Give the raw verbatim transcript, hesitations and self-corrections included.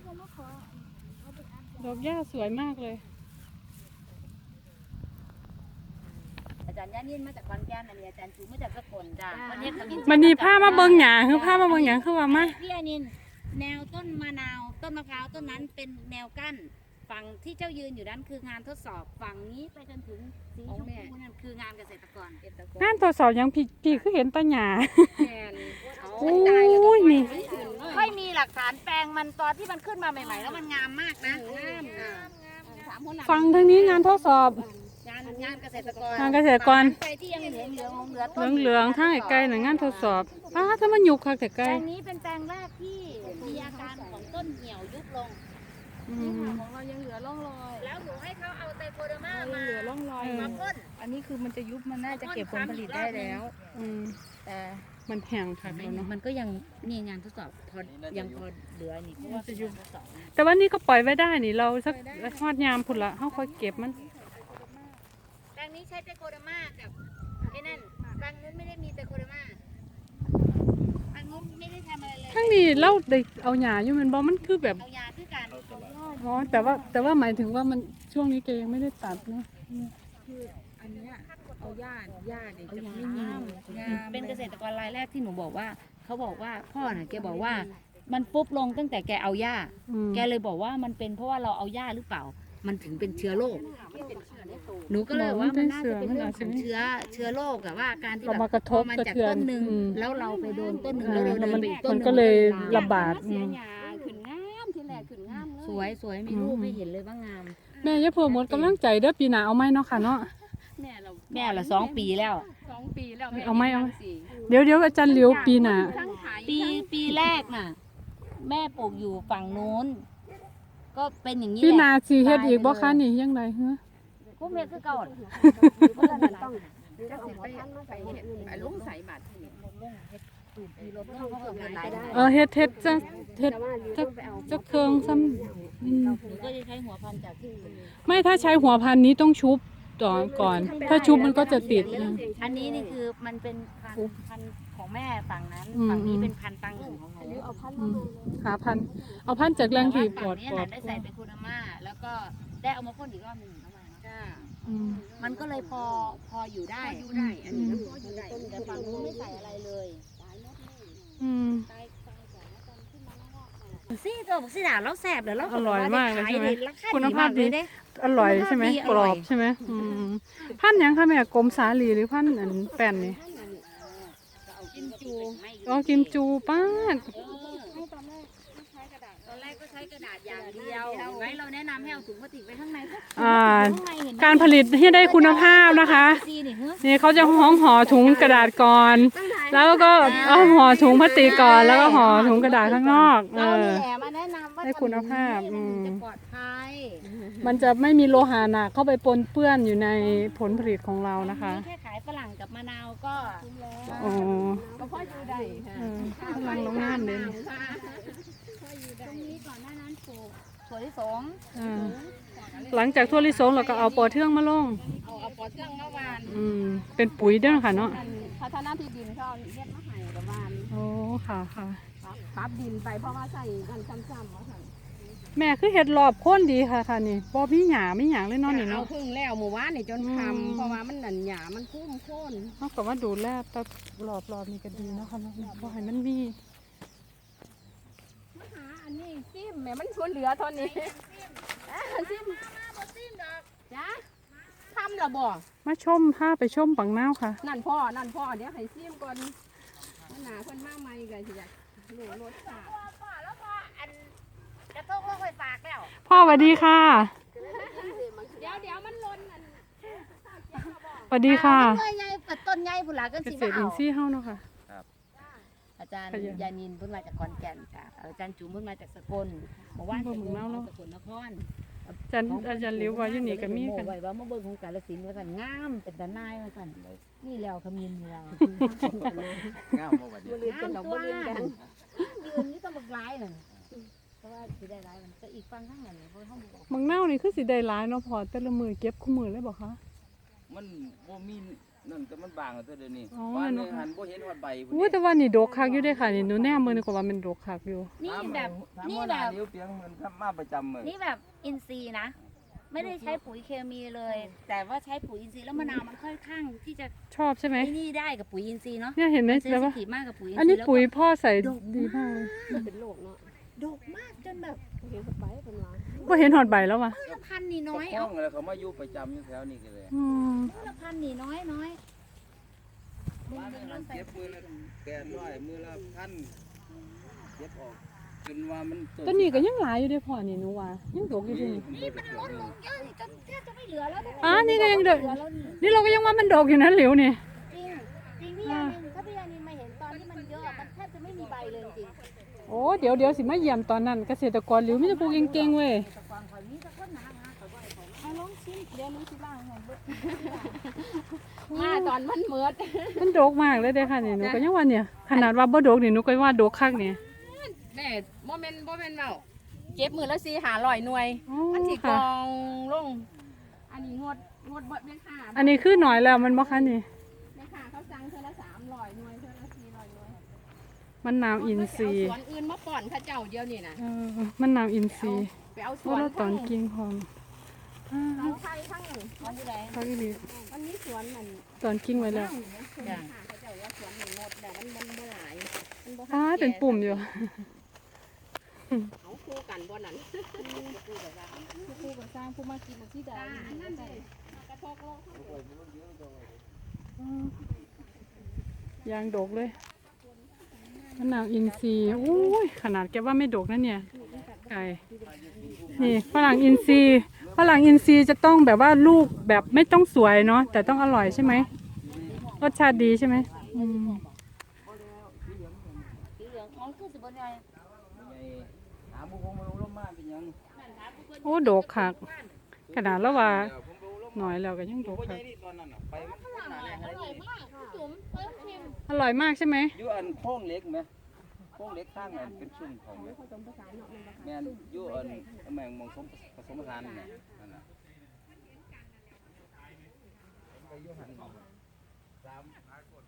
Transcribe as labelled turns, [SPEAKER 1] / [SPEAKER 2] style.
[SPEAKER 1] ดอกหญ้าสวยมากเลย
[SPEAKER 2] อาจารย์ย่านินมาจากขอนแก่นอันนี้อาจารย์จูมาจากสกลจ้าวันนี้ขมิ้น
[SPEAKER 1] มันมีผ้ามาเบิ่งหยาคือผ้ามาเบิ่งหยาคือว่ามา
[SPEAKER 2] พี่อานินแนวต้นมะนาวต้นมะพร้าวต้นนั้นเป็นแนวกั้นฝั่งที่เจ้ายืนอยู่นั้นคืองานทดสอบฝั่งนี้ไปจนถึงสีชมพูนั่นคืองานเกษตรกรง
[SPEAKER 1] านทดสอบยังพี่พี่คือเห็นตาหยาโอ้ยนี่
[SPEAKER 2] ค่อยมีหลักฐานแปลงมันตอนที่มันขึ้นมาใหม่ๆแล้วมันงามมากนะ
[SPEAKER 1] ฟังทางนี้งานทดสอบ
[SPEAKER 2] งานงานเกษตรกรง
[SPEAKER 1] านเกษตรกร
[SPEAKER 2] ไปที่ยังเหลืองเหลืองเหลือง
[SPEAKER 1] เหลืองเหลืองทางไกลๆหน่ะงานทดสอบป้าถ้ามันยุบคักแต่ไก
[SPEAKER 2] แป
[SPEAKER 1] ล
[SPEAKER 2] ลงนี้เป็นแปลงแรกที่มีอาการของต้นเหี่ยวยุบลง
[SPEAKER 3] ของเรายังเหลือร่องรอย
[SPEAKER 2] แล้วหนูให้เขาเอาไตโคเดอร์มา
[SPEAKER 3] ยัง
[SPEAKER 2] มา
[SPEAKER 3] เหลือร่องรอย
[SPEAKER 2] มาพ่น
[SPEAKER 3] อันนี้คือมันจะยุบมันน่าจะเก็บผลผลิตได้แล้ว
[SPEAKER 1] อืม
[SPEAKER 3] แต่
[SPEAKER 1] มันแห้งคักแล้วเนาะ
[SPEAKER 2] มันก็ยังนี่งานทดสอบพอยังพอเหลือนี่เพราะว่าจะยุบทดสอบ
[SPEAKER 1] แต่ว่านี่ก็ปล่อยไว้ได้นี่เราสักฮอดยามพุ่นละเฮาค่อยเก็บมัน
[SPEAKER 2] แปลงนี้ใช้ไตโคเดอร์มากับไอ้นั่นแปลงนู้นไม่ได้มีไตโคเดอร์มาแปลงนู้นไม่ได้ทำอะไรเลย
[SPEAKER 1] ทั้งนี้เราได้เอาหญ้าอยู่แมันบ่มันคือแบบ
[SPEAKER 2] เอายาคือการ
[SPEAKER 1] อ๋อแต่ว่าแต่ว่าหมายถึงว่ามันช่วงนี้แกยังไม่ได้ตัดเนาะ
[SPEAKER 3] คืออันเนี้ยเอาหญ้าหญ้าเนี่ยจะไม่งามงาม
[SPEAKER 2] เป็นเกษตรกรรายแรกที่หนูบอกว่าเขาบอกว่าพ่อน่ะแกบอกว่ามันปุ๊บลงตั้งแต่แกเอาหญ้า
[SPEAKER 1] อืม
[SPEAKER 2] แกเลยบอกว่ามันเป็นเพราะว่าเราเอาหญ้าหรือเปล่า มันถึงเป็นเชื้อโรคหนูก็เลยว่ามันน่าจะเป็นเรื่องของเชื้อเชื้อโรคอะว่าการที่
[SPEAKER 1] เรา
[SPEAKER 2] แบบ
[SPEAKER 1] มากระทบ
[SPEAKER 2] พอมัน
[SPEAKER 1] กระ
[SPEAKER 2] จาก
[SPEAKER 1] เทือ
[SPEAKER 2] ต้
[SPEAKER 1] น
[SPEAKER 2] นหนึ่ง
[SPEAKER 1] อืม
[SPEAKER 2] แล้วเราไปโดนต้นหนึ่ง
[SPEAKER 1] อ่า
[SPEAKER 2] แล้วเรา
[SPEAKER 1] แล้ว
[SPEAKER 2] เดิ
[SPEAKER 1] มัน
[SPEAKER 2] นไปอีกต้นห
[SPEAKER 1] มัน
[SPEAKER 2] นึ่ง
[SPEAKER 1] ก็เลย
[SPEAKER 2] มัน
[SPEAKER 1] ระบาด
[SPEAKER 3] เสียหญ้าขึ้นงามที่แรกขึ้นงามเลย
[SPEAKER 2] สวยสวยมีรูปให้เห็นเลยว่างาม
[SPEAKER 1] แม่อย่าเพิ่มหมดกำลังใจเด้อปีหน้าเอาไหมเนาะค่ะเนาะ
[SPEAKER 3] แม่เรา
[SPEAKER 2] แม่ละสองปีแล้ว
[SPEAKER 3] สองปีแล้ว
[SPEAKER 1] เอาไหมเอาไหม
[SPEAKER 3] สี่
[SPEAKER 1] เดี๋ยวเดี๋ยวอาจารย์เหลียวปีหน้า
[SPEAKER 3] ทั้งขาย
[SPEAKER 2] ปีปีแรกน่ะ แม่ปลูกอยู่ฝั่งนู้น ก็เป็นอย่างนี้
[SPEAKER 1] ปี
[SPEAKER 2] แห
[SPEAKER 1] หน้า
[SPEAKER 2] ละ
[SPEAKER 1] สิเฮ็ดอีกบ่คะนี่ยังไงฮะ
[SPEAKER 2] พวกเมียคือเก่า
[SPEAKER 3] ต้องจะสิไปไปเห็ดไปลุงใส่บาตรที่นี่
[SPEAKER 1] เออเฮ็ดเฮ็ดจะเฮ็ดจะจะเครื่องซ้ำอืม
[SPEAKER 2] หนูก็จะใช้หัวพันธุ์จากที่อื่น
[SPEAKER 1] ไม่ถ้าใช้หัวพันธุ์นี้ต้องชุบต่อก่อน ถ้าชุบมันก็จะติดนะ
[SPEAKER 2] อันนี้นี่คือมันเป็นพันธุ์พันธุ์ของแม่ฝั่งนั้น
[SPEAKER 1] อืม
[SPEAKER 2] ฝั่งนี้เป็นพันธุ์ตังหนึ่งของหนู
[SPEAKER 1] อืมหาพันธุ์เอาพันธุ์จากแหล่งที่ปลอด
[SPEAKER 2] นี้
[SPEAKER 1] ปลอ
[SPEAKER 2] น่ะ
[SPEAKER 1] ด
[SPEAKER 2] ได้ใส่เป็นคูนาม่าแล้วก็ได้เอามาพ่นอีกรอบหนึ่งเข้ามาเนาะ
[SPEAKER 1] อืม
[SPEAKER 2] มันก็เลยพอพออยู่ได้
[SPEAKER 3] อยู่ได้อันนี้ก็พออยู่ได้
[SPEAKER 2] แต่ฝั่งนู้นไม่ใส่อะไรเลย
[SPEAKER 1] อืม
[SPEAKER 2] ซี่ตัวบอกซี่ด่าแล้วแสบเดี๋ยวเรา
[SPEAKER 1] อร่อยมากเลยใช่ไหม
[SPEAKER 2] ราคา
[SPEAKER 1] คุณ
[SPEAKER 2] ดี
[SPEAKER 1] ภาพ
[SPEAKER 2] มากเล
[SPEAKER 1] ดี
[SPEAKER 2] ยเด้
[SPEAKER 1] อร่อยใช่ไหม
[SPEAKER 2] คุณภาพดีอก ร่
[SPEAKER 1] ร
[SPEAKER 2] อย
[SPEAKER 1] อบใช่ไหมอืมพันธุ์หยังคะแม่กรมสาลีหรือพันธุ์อันแป้นนี่
[SPEAKER 3] กินจู
[SPEAKER 1] อ๋อกิมจูป้าด
[SPEAKER 2] ตอนแรกก็ใช้กระดาษอย่างเดียวไว้เราแนะนำให้เอาถุงพลาสติกไว้ข้างในก็
[SPEAKER 1] อ่า
[SPEAKER 2] ข้างในเห็นไหม
[SPEAKER 1] การผลิตให้ได้คุณภาพนะคะ
[SPEAKER 2] ซีนี่เฮ้ย
[SPEAKER 1] นี่เขาจะห้องห่อถุงกระดาษก่อน แล้วก็เอาห่อถุงพลาสติกก่อน แล้วก็ห่อถุงกระดาษข้างนอก เอ
[SPEAKER 2] เรา
[SPEAKER 1] อ
[SPEAKER 2] นี่แหละมาแนะนำว่า
[SPEAKER 1] ให้คุณภาพ
[SPEAKER 2] ทำอย่งนี้
[SPEAKER 1] อืม
[SPEAKER 2] มันจะปลอดภัย
[SPEAKER 1] มันจะไม่มีโลหะหนักเข้าไปปนเปื้อนอยู่ในผลผลิตของเรานะคะ
[SPEAKER 2] แค่ขายฝรั่งกับมะนาวก็
[SPEAKER 1] อ๋อ
[SPEAKER 3] ก็พออยู่ได้ค่ะ
[SPEAKER 1] เออพลังน้องงามเลย
[SPEAKER 2] ตรงนี้ก่อนหน้านั้นปลูกถั่วลิสง
[SPEAKER 1] อ่าหลังจากทั่วลิสงเราก็เอาปอเทืองมาลง
[SPEAKER 3] เอาเอาปอเทืองมาวาน
[SPEAKER 1] อืมเป็นปุ๋ยเด้อค่ะเนาะ
[SPEAKER 3] พัฒนาที่ดินเขาเอาเฮ็ดมาให้กับวาน
[SPEAKER 1] โอ้ค่ะค่ะ
[SPEAKER 3] ปรับปรับดินไปเพราะว่าใส่กันซ้ำๆว่าซั่น
[SPEAKER 1] แม่คือเห็ดรอบโค่นดีค่ะค่ะนี่บ่มีหญ้ามีหยังเลยเนาะนี่
[SPEAKER 3] เอา
[SPEAKER 1] เนาะ
[SPEAKER 3] พึ่งแล้วหมู่บ้านนี่จน
[SPEAKER 1] อืม
[SPEAKER 3] คำเพราะว่ามันหนันหยามันคุ้มโค่น
[SPEAKER 1] เฮาก็ว่าดูแลแต่รอบรอบนี่ก็ดีเนาะค่ะเนาะบ่ให้มันมี
[SPEAKER 3] มาหาอันนี้ซิมแม่มันชวนเหลือเท่านี้อ่าซิมจ้าทำละบ่
[SPEAKER 1] มาชมพาไปชมปังนาวค่ะ
[SPEAKER 3] นั่นพ่อนั่นพ่อเดี๋ยวให้ซิมก่อนมันหนาเพิ่นมาใหม่ก็สิอยากรู้รสชาติ
[SPEAKER 2] พ่อแล้วพออันกระทงลงไปฝากแล้ว
[SPEAKER 1] พ่อสวัสดีค่ะ
[SPEAKER 3] เดี๋ยวเดี๋ยวมันล้นอัน
[SPEAKER 1] สวัสดีค่ะ
[SPEAKER 2] ต้นใหญ่ต้นใหญ่พุ่นละก็
[SPEAKER 1] เก
[SPEAKER 2] สิ
[SPEAKER 1] ษตรอิ
[SPEAKER 2] เอา
[SPEAKER 1] นทรีย์เฮาเนาะค่ะ
[SPEAKER 2] อาจารย์
[SPEAKER 1] ขยัน
[SPEAKER 2] ยานินเพิ่นมาจากขอนแก่นค่ะอาจารย์จุ๋มเพิ่นมาจากสกลเมื่อวาน
[SPEAKER 1] บ่
[SPEAKER 2] จาก
[SPEAKER 1] หมุนเมาส์เนอะ
[SPEAKER 2] สกลนคร
[SPEAKER 1] อาจารย์อาจารย์หลิวว่าอยู่นี่ก็มีกัน
[SPEAKER 2] ไว้ว่ามาเบิ่งของกาฬสินธุ์ว่าซั่นงามเป็นตาหนายว่าซั่นนี่แล้วขมิ้นนี่แล้ว
[SPEAKER 4] งามบ่บัดนี้
[SPEAKER 3] บ่ลืมกันดอกบ่ลืมกัน
[SPEAKER 2] ยืนนี่ต้องบักหลายนั่นเพราะว่าสิได้หลายมันก็อีกฟังข้างนั้นเนี่ยเพราะเฮาบ่
[SPEAKER 1] มังนาวนี่คือสิได้หลายเนาะพอแต่ละมือเก็บคู่มือเลยบ่คะ
[SPEAKER 4] มันบ่มีนั่นแต่มันบางอะเท่าเดี๋ยวนี้
[SPEAKER 1] อ๋อ
[SPEAKER 4] ว่า
[SPEAKER 1] นั่น
[SPEAKER 4] เนื้อ
[SPEAKER 1] เนาะ
[SPEAKER 4] หันบ่เห็นฮอดใบพุ่น
[SPEAKER 1] อู้แต่ว่านี่ดกคักอยู่เด้ค่ะนี่หนูแน่มือนี่ก็ว่ามันดกคักอยู่
[SPEAKER 2] นี่แบบ
[SPEAKER 4] ถาม
[SPEAKER 2] นี่
[SPEAKER 4] ว่า
[SPEAKER 2] แบ
[SPEAKER 4] หา
[SPEAKER 2] บ
[SPEAKER 4] นิ้วเปียงมันทำมาประจำเลย
[SPEAKER 2] นี่แบบอินทรีย์นะ ไม่ได้ใช้ปุ๋ยเคมีเลย แต่ว่าใช้ปุ๋ยอินทรีย์แล้วมะนาวมันค่อนข้างที่จะ
[SPEAKER 1] ชอบใช่ไหม
[SPEAKER 2] ไอ้นี่ได้กับปุ๋ยอินทรีย์เนาะ
[SPEAKER 1] เนี่ยเห็นไหม
[SPEAKER 2] มันเซน
[SPEAKER 1] แล้ว
[SPEAKER 2] ซิ
[SPEAKER 1] ว่า
[SPEAKER 2] ทีฟมากกับปุ๋ยอินทรีย์
[SPEAKER 1] อันนี้
[SPEAKER 2] แล้วก็
[SPEAKER 1] ปุ๋ยพ่อใส่ดีมากเลย
[SPEAKER 3] มันเป็นโรคเนาะ
[SPEAKER 2] ดกมากจนแบบ
[SPEAKER 3] เห็นสไปเป็นว่า
[SPEAKER 1] ก็เห็นหอดใบแล้วว่ะ
[SPEAKER 2] พืชพันธุ์นี่น้อย
[SPEAKER 4] ข้
[SPEAKER 2] เอา
[SPEAKER 4] องอะไรเขามาอยู่ประจำอยู่แถวนี้กันเลย
[SPEAKER 1] อืม
[SPEAKER 2] พืชพันธุ์นี่น้อยน้อย
[SPEAKER 4] บ้านมันเก็บมือละแปดร้อยมือละพันเก็บออกจนว่ามัน
[SPEAKER 1] ต้นนี้ก็ยังหลายอยู่เด้อพ่อนี่หนูว่ายังดกอยู่ที่นี่
[SPEAKER 2] นี่มันลดลงเยอะจนแทบจะไม่เหลือแล้ว
[SPEAKER 1] อ่านี่ก็ยังดก
[SPEAKER 2] เหลือแล้วนี่
[SPEAKER 1] นี่เราก็ยังว่ามันดกอยู่นะหลิวนี่
[SPEAKER 2] จริงจริงพี่ยานินถ้าพี่ยานินมาเห็นตอนที่มันเยอะอะมันแทบจะไม่มีใบเลยจริง
[SPEAKER 1] โอ้เดี๋ยวเดี๋ยวสิมาเยี่ยมตอนนั้นเกษตรกรหลิวไมแต่จะปลูกเก่งๆเว้ย
[SPEAKER 2] แต่ก่อนข่อยนี้ก็คนหนาหาข่อยบ่อยข่อย
[SPEAKER 3] เอาลองชิมเดี๋ยวหนูสิล้างให้เบิดมาตอนมันเมิด
[SPEAKER 1] มันดกมากเลยเด้อค่ะนี่หนูก็ยังว่าเนี่ยขนาดว่าบ่ดกนี่หนูก็ว่าดกคักเนี่ย
[SPEAKER 3] แม่บ่แม่นบ่แม่นเว้าเก็บมือละสี่ห้าร้อยหน่วย
[SPEAKER 1] อ๋อ
[SPEAKER 3] มันสิก
[SPEAKER 1] ค่ะ
[SPEAKER 3] องลง อันนี้งดงดเบิดแม่ค่ะ
[SPEAKER 1] อันนี้คือหน่อยแล้วมันบ่คะนี่
[SPEAKER 3] แม่ค่ะเขาสั่งเท่าละสามร้อยหน่วยเท่าละสี่ร้อยหน่วย
[SPEAKER 1] มันนาวอินทรีย์
[SPEAKER 3] เอาสวนอื่นมาป้อนเข้าเจ้าเดียวนี่นะ
[SPEAKER 1] เออมันนาวอินทรีย์
[SPEAKER 3] ไปเอาส
[SPEAKER 1] ว่า
[SPEAKER 3] วน
[SPEAKER 1] เราตอนกินหอมอ่า
[SPEAKER 3] เอาไทยทั้งนั้น
[SPEAKER 2] ของผู้ใด
[SPEAKER 1] คักอีหลี
[SPEAKER 3] มันมีสวนนั่น
[SPEAKER 1] ตอนกิ้งไว้แล้ว
[SPEAKER 3] จ้ะเขาเจ้าว่าสวนหนึ่งหมดแต่มันมันบ่หลายมันบ่
[SPEAKER 1] อ่าเป็นปุ่มอยู่
[SPEAKER 3] เอาคู่กันบ่นั่นคู่กับว่าคู่กับสร้างผู้มากินที่ใดอันนั้นเลยกระทกโลก
[SPEAKER 1] ยางดกเลยมะนาวอินทรีย์อุ้ยขนาดแกว่าไม่ดกนะเนี่ยไก่นี่ฝรั่งอินทรีย์ฝรั่งอินทรีย์จะต้องแบบว่าลูกแบบไม่ต้องสวยเนาะแต่ต้องอร่อยใช่ไหมรสชาติดีใช่ไหมอืม
[SPEAKER 2] สีเหลืองอ๋อคือสิบนใหญ่
[SPEAKER 4] ไม่ใหญ่หาบุคคลมาลงลงมาเป็นหยัง
[SPEAKER 1] โอ้ดกคักขนาดแล้วว่า
[SPEAKER 4] เดี๋ยวผมดูลง
[SPEAKER 1] หน่อยแล้วก็ยังด
[SPEAKER 4] ดู
[SPEAKER 1] ก
[SPEAKER 4] ว่าให
[SPEAKER 1] คั
[SPEAKER 4] ญ่
[SPEAKER 1] ก
[SPEAKER 4] นี่ตอนนั้นน่ะไปมันคนหนาแน่อะไรนี่
[SPEAKER 3] จุ๋มเพิ่มชิม
[SPEAKER 1] อร่อยมากใช่ไหม
[SPEAKER 4] อยู่อันโค้งเล็กไหมโค้งเล็กข้างอันเป็นชุ่มของไหมแม่นอยู่อันแมงมองสมผสมผสานนี่นะนั่นน่ะไปอยู่หันสาม